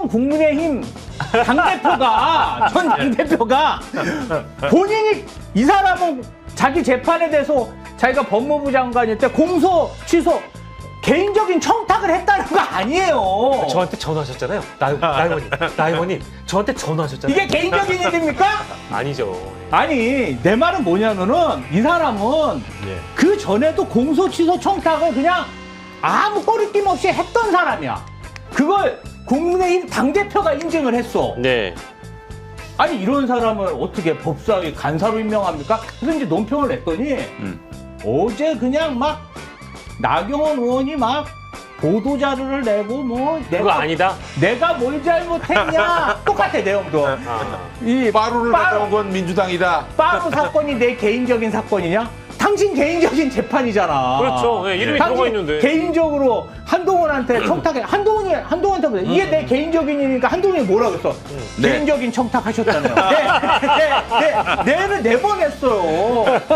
전 국민의힘 당대표가 본인이 이 사람은 자기 재판에 대해서 자기가 법무부 장관일 때 공소 취소 개인적인 청탁을 했다는 거 아니에요. 저한테 전화하셨잖아요. 나 의원님 저한테 전화하셨잖아요. 이게 개인적인 일입니까? 아니죠. 아니 내 말은 뭐냐면은 이 사람은 예. 그 전에도 공소 취소 청탁을 그냥 아무 꺼리낌 없이 했던 사람이야. 그걸 국민의힘 당대표가 인증을 했어. 네. 아니 이런 사람을 어떻게 법사위 간사로 임명합니까? 그래서 이제 논평을 냈더니 어제 그냥 막 나경원 의원이 막 보도 자료를 내고 뭐 그거 아니다. 내가 뭘 잘못했냐 똑같아 내용도. 이 빠루를 가져온 건 민주당이다. 빠루 사건이 내 개인적인 사건이냐? 당신 개인적인 재판이잖아. 그렇죠. 네, 이름이 당신 들어가 있는데. 개인적으로 한동훈한테 청탁해. 한동훈한테 보자. 이게 내 개인적인 일이니까 한동훈이 뭐라고 했어? 네. 개인적인 청탁하셨잖아요. 내는 내보냈어요.